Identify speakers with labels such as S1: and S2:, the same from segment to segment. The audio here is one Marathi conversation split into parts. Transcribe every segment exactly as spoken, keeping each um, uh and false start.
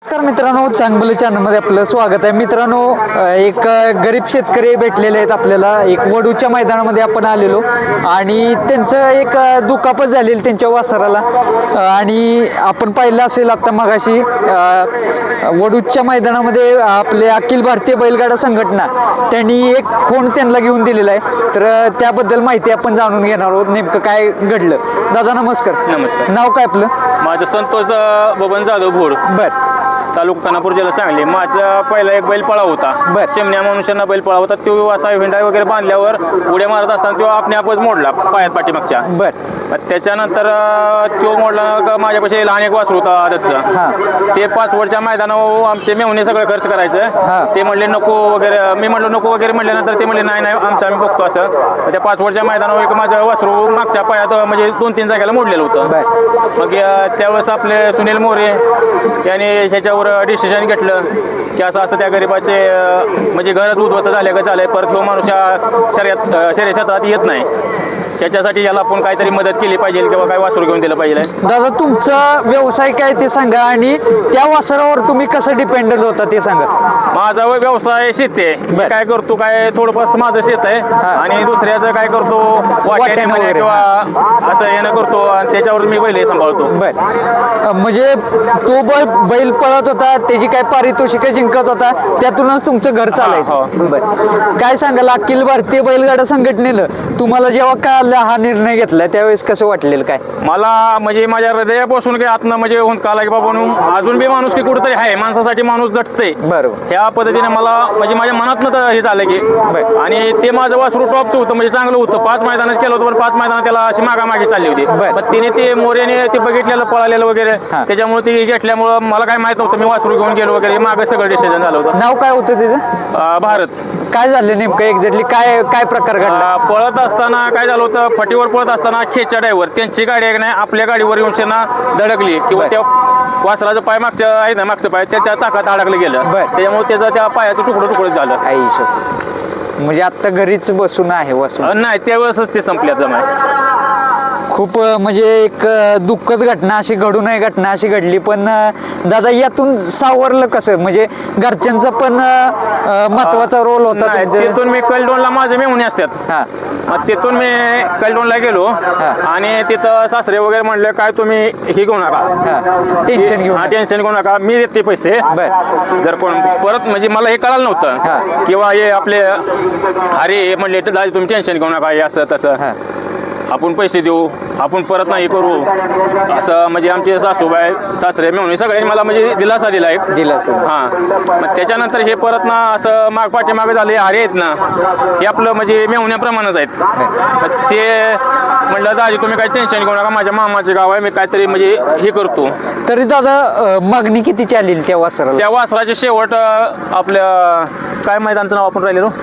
S1: नमस्कार मित्रांनो, चांगलं चॅनलमध्ये आपलं स्वागत आहे. मित्रांनो, एक गरीब शेतकरी भेटलेले आहेत आपल्याला. एक वडूच्या मैदानामध्ये आपण आलेलो आणि त्यांचं एक दुखापत झालेली त्यांच्या वासराला आणि आपण पाहिलं असेल आता मगाशी वडूच्या मैदानामध्ये आपले अखिल भारतीय बैलगाडा संघटना त्यांनी एक खूण त्यांना घेऊन दिलेला आहे. तर त्याबद्दल माहिती आपण जाणून घेणार आहोत, नेमकं काय घडलं. दादा नमस्कार.
S2: नमस्कार.
S1: नाव काय आपलं?
S2: माझं संतोष बबन जाधव भोर,
S1: बर
S2: तालुका खानापूर, जिल्हा सांगली. माझा पहिला एक बैल पळा होता,
S1: बर.
S2: चिमण्या मनुष्यांना बैल पळा होता. तो असा हिंडा वगैरे बांधल्यावर उड्या मारत असताना तो आपल्या आपच मोडला पायात पाठीमागच्या.
S1: बर
S2: त्याच्यानंतर तो मोडला का माझ्यापाशी लहान एक वासरू होता आदतचं. ते पाच वर्षच्या मैदानावर आमचे मेहुणे सगळं खर्च
S1: हा.
S2: करायचं. ते म्हणले नको वगैरे, मी म्हणलो नको वगैरे म्हणल्यानंतर ते म्हणले नाही नाही आमचं आम्ही बघतो असं. त्या पाच वर्षच्या मैदानावर एक माझं वासरू मागच्या पायात म्हणजे दोन तीन जागेला मोडलेलं होतं. मग त्यावेळेस आपले सुनील मोरे यांनी ह्याच्यावर डिसिजन घेतलं की असं असं त्या गरीबाचे म्हणजे घरच उद्ध्वस्त झाले का झालंय, परत तो माणूस या शर्यत शर्यत क्षेत्रात येत नाही. त्याच्यासाठी याला आपण काहीतरी मदत केली पाहिजे किंवा काय वासरू घेऊन दिलं पाहिजे.
S1: दादा, तुमचा व्यवसाय काय ते सांगा आणि त्या वासरावर तुम्ही कसं डिपेंडेंट होता ते सांगा.
S2: माझा व्यवसाय शेती आहे. मी काय करतो, काय थोडंफार माझं शेत आहे आणि दुसऱ्याचं काय करतो वाट्याने
S1: वगैरे.
S2: किंवा असं येणं करतो आणि त्याच्यावर मी बैल सांभाळतो.
S1: बर, म्हणजे तो बैल बैल पळत होता, त्याची काय पारितोषिक जिंकत होता, त्यातूनच तुमचं घर चालायचं. बर, काय सांगाल अखिल भारतीय बैलगाडा संघटनेनं तुम्हाला जेव्हा का हा निर्णय घेतला त्यावेळेस कसं वाटलेलं? काय
S2: मला म्हणजे माझ्या हृदयापासून काही आतनं म्हणजे होऊन काला की बाबा अजून बी माणूस की कुठेतरी आहे, माणसासाठी माणूस झटतंय.
S1: बरोबर.
S2: ह्या पद्धतीने मला म्हणजे माझ्या मनातनं तर हे झालं की आणि ते माझं वासरू टॉपचं होतं, म्हणजे चांगलं होतं. पाच मैदानच केलं होतं, पण पाच मैदानात त्याला अशी मागामागी चालली होती. पण तिने ते मोर्याने ते बघितलेलं पळालेलं वगैरे, त्याच्यामुळे ते घेतल्यामुळं मला काय माहित नव्हतं. मी वासरू घेऊन गेलो वगैरे, मागं सगळं डिसिजन झालं होतं.
S1: नाव काय होतं त्याचं?
S2: भारत.
S1: काय झालं नेमकं एक्झॅक्टली? काय काय प्रकार घडला?
S2: पळत असताना काय झालं होतं, फटीवर पळत असताना खेच्या ड्रायव्हर त्यांची गाडी आहे नाही आपल्या गाडीवर येऊन त्यांना धडकली किंवा त्या वासराचं पाय मागच्या आहे ना मागचं पाय त्याच्या चाकात अडकलं गेलं. त्याच्यामुळे त्याचं त्या पायाचं तुकडं तुकडं झालं.
S1: आई शपथ. म्हणजे आता घरीच बसून आहे वासरू?
S2: नाही, त्यावेळेसच ते संपल्याचं माहिती.
S1: खूप म्हणजे एक दुःखद घटना अशी घडू नये, घटना अशी घडली. पण दादा, यातून सावरलं कसं? म्हणजे घरच्यांचा पण महत्वाचा रोल होता.
S2: तिथून मी कलडोनला माझे मेहुणे असतात.
S1: हा,
S2: मग तिथून मी कलडोनला गेलो आणि तिथं सासरे वगैरे म्हणले काय तुम्ही हे घेऊ नका,
S1: टेन्शन घेऊ
S2: नका, टेन्शन घेऊ नका, मी देते पैसे. जर कोण परत म्हणजे मला हे कळालं नव्हतं किंवा हे आपले अरे म्हणले दादा तुम्ही टेन्शन घेऊ नका, हे असं तसं आपण पैसे देऊ, आपण परत नाही करू असं. म्हणजे आमचे सासूबाई सासरे मेहुणे सगळ्यांनी मला म्हणजे दिलासा दिला एक
S1: दिलासा.
S2: हां, मग त्याच्यानंतर हे परत ना असं माग पाठीमागे झाले अरे आहेत ना, हे आपलं म्हणजे मेहुण्याप्रमाणेच आहेत. ते म्हटलं दाजी तुम्ही काही टेन्शन घेऊ नका, माझ्या मामाचे गाव आहे, मी काहीतरी म्हणजे हे करतो.
S1: तरी दादा मागणी किती चालेल त्या वासराला?
S2: त्या वासराचे शेवट आपल्या काय मैदानचं नाव आपण राहिलेलो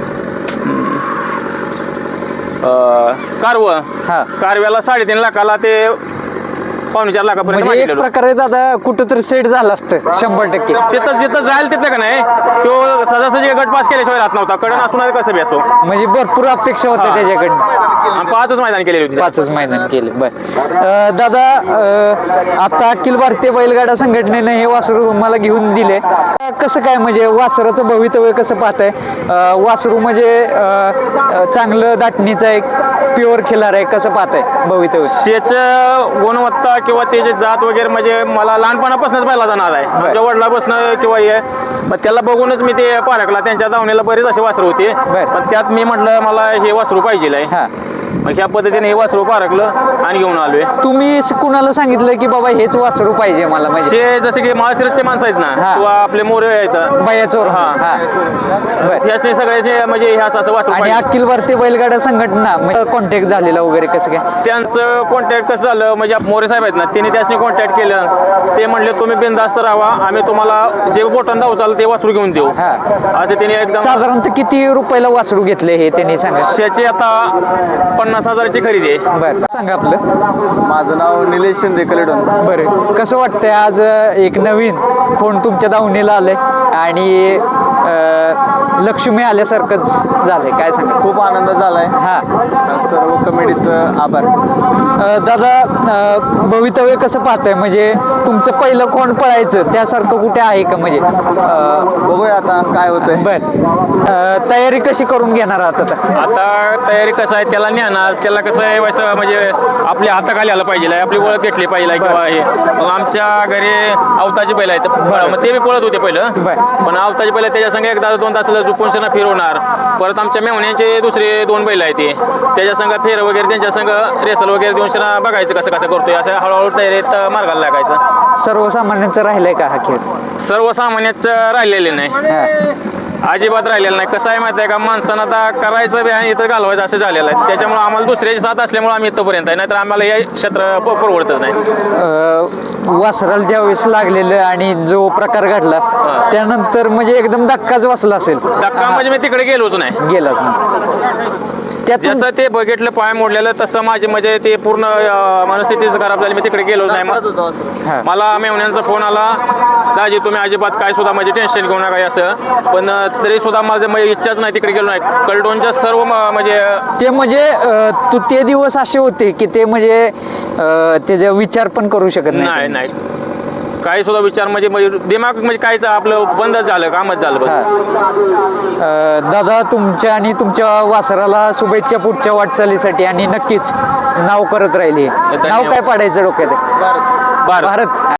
S2: कारव कारव्याला साडेतीन लाखाला ते पावणे चार लाखापर्यंत.
S1: म्हणजे एक प्रकारे दादा कुठंतरी सेट झालं असतं शंभर टक्के.
S2: तिथं जिथं जाईल तिथं का नाही तो सजासजी गट पास केल्याशिवाय राहत नव्हता. कडन असून कसं बी असो,
S1: म्हणजे भरपूर अपेक्षा होत्या त्याच्याकडनं.
S2: पाचच मैदान केलेली होती.
S1: पाचच मैदान केले. बर दादा, आता अखिल भारतीय बैलगाडा संघटनेनं हे वासरू मला घेऊन दिले. कसं काय म्हणजे वासराचं भवितव्य कसं पाहताय? वासरू म्हणजे चांगलं दाटणीचं आहे, प्युअर खिलार आहे, कसं पाहताय भवितव्य?
S2: त्याचं गुणवत्ता किंवा त्याची जात वगैरे म्हणजे मला लहानपणापासूनच पाहिला जाणार आहे. माझ्या वडिलापासून किंवा हे मग त्याला बघूनच मी ते पारखला. त्यांच्या दावणीला बरेच असे वासरू होते, पण त्यात मी म्हटलं मला हे वासरू पाहिजे. मग ह्या पद्धतीने हे वासरू पारखलं आणि घेऊन आलोय.
S1: तुम्ही कुणाला सांगितलं की बाबा हेच वासरू पाहिजे मला? म्हणजे
S2: ते जसे की माळशिरसचे माणसं आहेत ना किंवा आपले मोरे आहेत
S1: बयाचोर,
S2: त्यासने सगळ्याचे म्हणजे हे असं असं वासरू.
S1: आणि अखिल भारतीय बैलगाडा संघटना कॉन्टॅक्ट झालेला वगैरे कसं काय?
S2: त्यांचं कॉन्टॅक्ट कसं झालं म्हणजे मोरे साहेब आहेत ना त्यांनी त्यासनी कॉन्टॅक्ट केलं. ते म्हणले तुम्ही बिनधास्त राहा, आम्ही तुम्हाला जे बोटन धाव चाललं ते वासरू घेऊन देऊ असं त्यांनी एकदम.
S1: साधारणतः किती रुपयाला वासरू घेतले हे त्यांनी सांगा?
S2: त्याची आता पन्नास हजाराची खरेदी आहे.
S1: बरं, सांगा आपलं.
S3: माझं नाव निलेश शिंदे कलेडोन.
S1: बरं, कसं वाटतंय आज एक नवीन कोण तुमच्या दावणीला आलंय आणि अं, लक्ष्मी आल्यासारखंच झालंय, काय सांगा?
S3: खूप आनंद झालाय.
S1: हा
S3: सर्व कमिटीचं आभार.
S1: अं, दादा, अं, भवितव्य कसं पाहताय? म्हणजे तुमचं पहिलं कोण पळायचं त्यासारखं कुठे आहे का? म्हणजे अं,
S3: बघूया आता काय होतंय.
S1: बर अं, तयारी कशी करून घेणार आहात आता?
S2: आता तयारी कसं आहे, त्याला नेणार, त्याला कसं आहे वैसं म्हणजे आपल्या हाताखाली आलं पाहिजे, आपली ओळख घेतली पाहिजे किंवा हे. मग आमच्या घरी अवताची बैल आहेत, मग ते बी पळत होते पहिलं,
S1: बर.
S2: पण अवताची बैल त्याच्या संग एकदा दोन तासाला झुपून त्यांना फिरवणार. परत आमच्या मेवण्यांचे दुसरे दोन बैल आहेत ते, त्याच्या संग फेर वगैरे त्यांच्या संग रेसल वगैरे देऊन त्यांना बघायचं कसं कसं करतोय, असं हळूहळू तयारीत मार्गाला लागायचं.
S1: सर्वसामान्यांचं राहिलंय का हा खेळ?
S2: सर्वसामान्याचं राहिलेले नाही,
S1: हा.
S2: अजिबात राहिलेलं नाही. कसं आहे माहिती आहे का, माणसानं आता करायचं बी आणि इथं घालवायचं असं झालेलं आहे. त्याच्यामुळे आम्हाला दुसऱ्याची साथ असल्यामुळे आम्ही इथंपर्यंत आहे, नाहीतर आम्हाला हे क्षेत्र प- परवडतच नाही.
S1: अं, वासराला ज्यावेळेस लागलेलं आणि जो प्रकार घडला त्यानंतर म्हणजे एकदम धक्काच बसला असेल.
S2: धक्का म्हणजे मी तिकडे गेलोच नाही.
S1: गेलाच नाही त्यातून.
S2: जसं ते बघितलं पाय मोडलेलं तसं माझी म्हणजे ते पूर्ण अं, मनस्थितीच खराब झाली. मी तिकडे गेलोच नाही.
S3: पळत होता वासरू.
S1: हा.
S2: मला मेवण्यांचा फोन आला, दाजी तुम्ही अजिबात काय सुद्धा म्हणजे टेन्शन घेऊ नका असं, पण अं, तरी सुद्धा माझं म्हणजे इच्छाच नाही, तिकडे गेलो नाही. कलडोनच्या सर्व म- म्हणजे
S1: ते म्हणजे अं, तू ते दिवस असे होते की ते म्हणजे अं, त्याचा विचार पण करू शकत
S2: नाही नाही काही सुद्धा विचार म्हणजे म्हणजे दिमाग म्हणजे कायच आपलं बंदच झालं, कामच झालं बंद.
S1: हा. अं, दादा, तुमच्या आणि तुमच्या वासराला शुभेच्छा पुढच्या वाटचालीसाठी आणि नक्कीच नाव करत राहिली. नाव काय पाडायचं डोक्यात?
S3: भारत.
S2: भारत
S1: भारत.